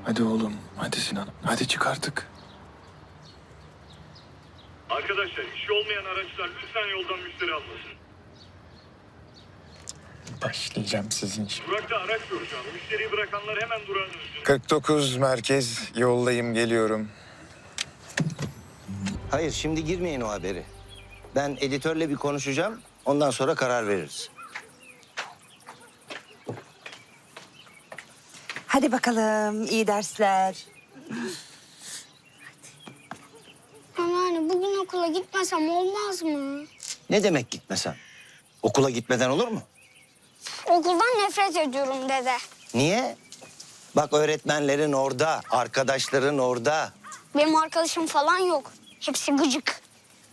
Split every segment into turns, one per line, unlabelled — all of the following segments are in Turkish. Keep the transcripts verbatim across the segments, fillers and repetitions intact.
Hadi oğlum, hadi Sinan. Hadi çık artık.
Arkadaşlar işi olmayan araçlar lütfen yoldan müşteri almasın.
Başlayacağım sizin için.
Durakta araç yok şu an. Müşteriyi bırakanlar hemen durağın üstüne.
kırk dokuz merkez, yoldayım, geliyorum.
Hayır, şimdi girmeyin o haberi. Ben editörle bir konuşacağım, ondan sonra karar veririz.
Hadi bakalım, iyi dersler.
Anneanne bugün okula gitmesem olmaz mı?
Ne demek gitmesen? Okula gitmeden olur mu?
Okuldan nefret ediyorum dede.
Niye? Bak öğretmenlerin orada, arkadaşların orada.
Benim arkadaşım falan yok. Hepsi gıcık.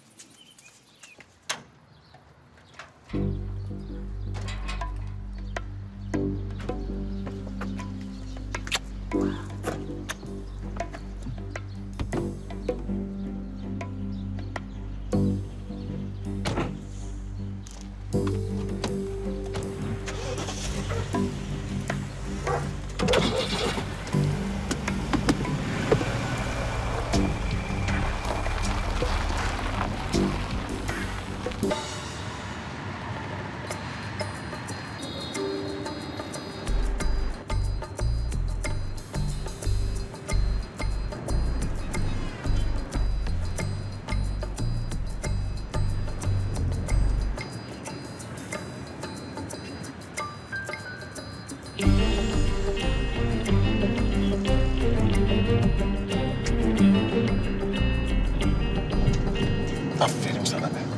Aferin sana be.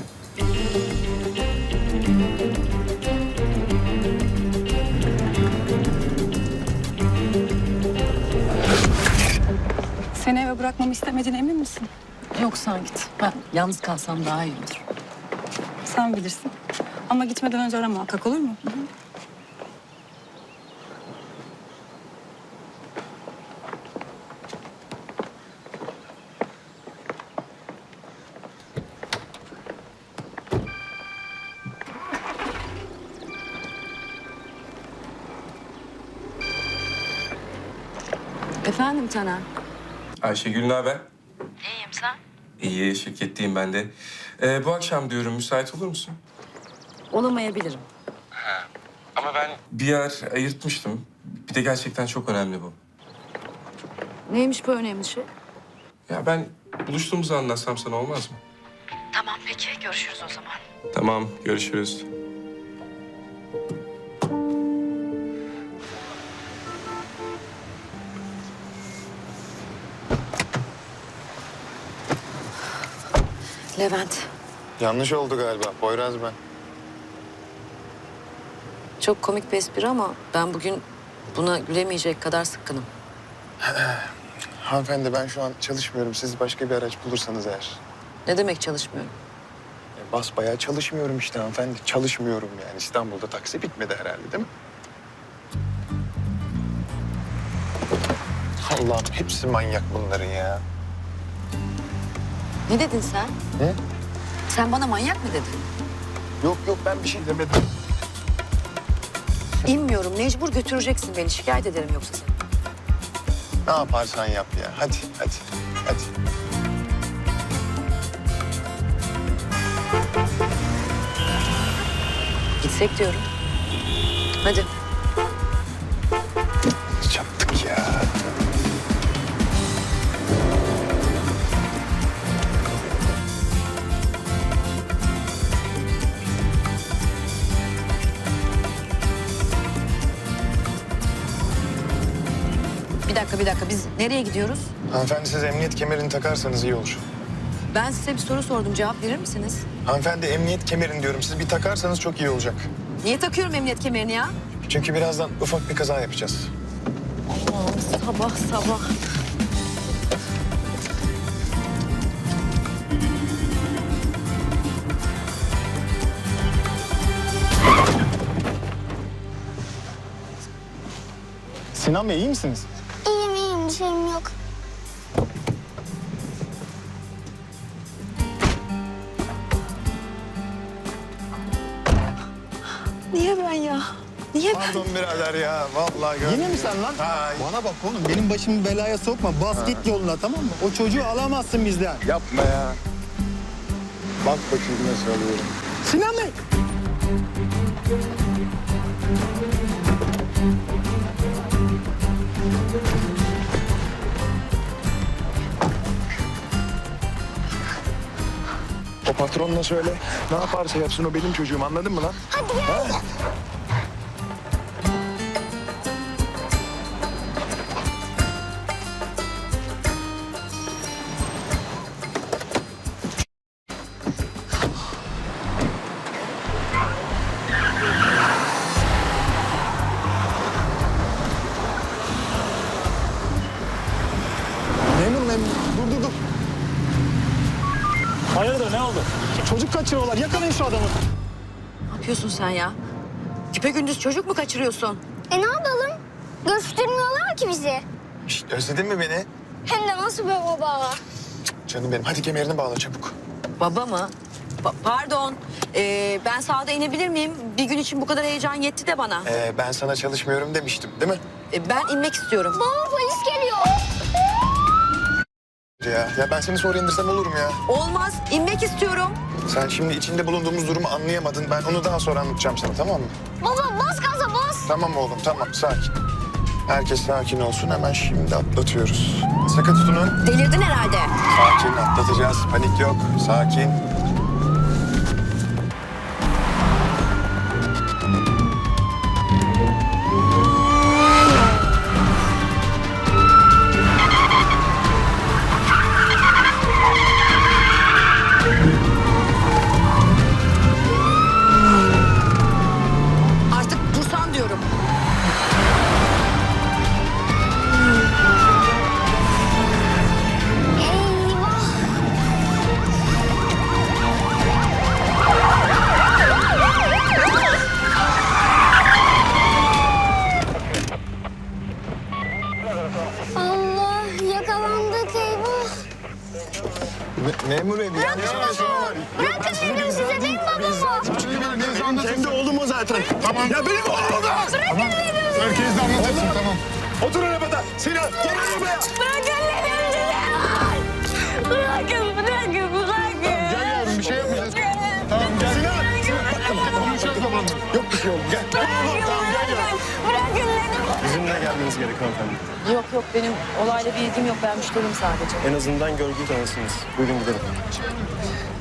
Seni eve bırakmamı istemediğine emin misin?
Yok sen git. Ben yalnız kalsam daha iyi olur.
Sen bilirsin. Ama gitmeden önce ara muhakkak, olur mu?
Efendim Taner?
Ayşegül ne haber?
İyiyim sen?
İyi, şirketteyim ben de. Ee, bu akşam diyorum, müsait olur musun?
Olamayabilirim.
Ama ben bir yer ayırtmıştım. Bir de gerçekten çok önemli bu.
Neymiş bu önemli şey?
Ya ben buluştuğumuzu anlatsam sana olmaz mı?
Tamam peki görüşürüz o zaman.
Tamam, görüşürüz.
Levent,
Yanlış oldu galiba. Poyraz ben.
çok komik bir espri ama ben bugün buna gülemeyecek kadar sıkkınım.
Hanımefendi ben şu an çalışmıyorum. Siz başka bir araç bulursanız eğer.
Ne demek çalışmıyorum?
E, basbayağı çalışmıyorum işte hanımefendi. Çalışmıyorum yani. İstanbul'da taksi bitmedi herhalde değil mi? Allah'ım hepsi manyak bunların ya.
Ne dedin sen?
Ne?
Sen bana manyak mı dedin?
Yok yok ben bir şey demedim.
İnmiyorum, mecbur götüreceksin beni. Şikayet ederim yoksa seni.
Ne yaparsan yap ya. Hadi hadi hadi.
Gitsek diyorum. Hadi.
Çattık ya.
Bir dakika, bir dakika. Biz nereye gidiyoruz?
Hanımefendi siz emniyet kemerini takarsanız iyi olur.
Ben size bir soru sordum. Cevap verir misiniz?
Hanımefendi emniyet kemerini diyorum. Siz bir takarsanız çok iyi olacak.
Niye takıyorum emniyet kemerini ya?
Çünkü birazdan ufak bir kaza yapacağız.
Allah'ım sabah sabah.
Sinan Bey iyi misiniz?
İyiyim iyiyim bir şeyim yok.
Niye ben ya? Niye Ayıp.
Pardon birader ya. Vallahi gördüm.
Yine mi sen lan?
Ha,
Bana bak oğlum benim başımı belaya sokma. Bas git yoluna tamam mı? O çocuğu alamazsın bizden.
yapma ya. Bak bakayım nasıl alıyorum.
Sinan Bey.
O patronla söyle. Ne yaparsa yapsın o benim çocuğum, anladın mı lan?
Hadi gel.
Memur memur. Dur dur dur. Hayırdır ne oldu? Çocuk kaçırıyorlar. Yakalayın şu adamı.
Ne yapıyorsun sen ya? Güpegündüz çocuk mu kaçırıyorsun?
E ne yapalım? Göstermiyorlar ki bizi.
Şişt, özledin mi beni?
Hem de nasıl be baba?
Canım benim, hadi kemerini bağla çabuk.
Baba mı? Pa- pardon. Ee, ben sağda inebilir miyim? Bir gün için bu kadar heyecan yetti de bana.
Ee, ben sana çalışmıyorum demiştim, değil mi?
Ee, ben inmek istiyorum.
Baba polis geliyor.
Ya, ya ben seni sonra indirsem olur mu ya?
Olmaz. İnmek istiyorum.
Sen şimdi içinde bulunduğumuz durumu anlayamadın. Ben onu daha sonra anlatacağım sana, tamam mı?
Baba bas gaza bas.
Tamam oğlum, tamam. Sakin. Herkes sakin olsun. Hemen şimdi atlatıyoruz. Sıkı tutunun.
Delirdin herhalde.
Sakin, atlatacağız. Panik yok. Sakin.
Artık dursan diyorum.
Eyvah. Allah yakalandık eyvah.
Me- memur bey, bir yanlış anlaşılma var.
Bırakın dedim size değil mi babamı?
Çünkü benim, benim kendi oğlum o zaten. Tamam. Ya benim oğlum o da.
Bırakın dedim.
Herkes de anlatırsın, tamam. Otur arabada. Sinan, gel arabaya.
Bırakın dedim size. Bırakın bırakın bırakın.
Gel yavrum, bir şey yapmayacağız. Tamam, gel. Sinan. Konuşacağız babanla. Yok bir şey oğlum, gel. Tamam, tamam, gel yavrum.
Bırakın dedim.
Bizimle gelmeniz gerekiyor hanımefendi.
Yok yok benim olayla bir ilgim yok. Ben müşterim sadece.
En azından görgü tanısınız. Buyurun gidelim.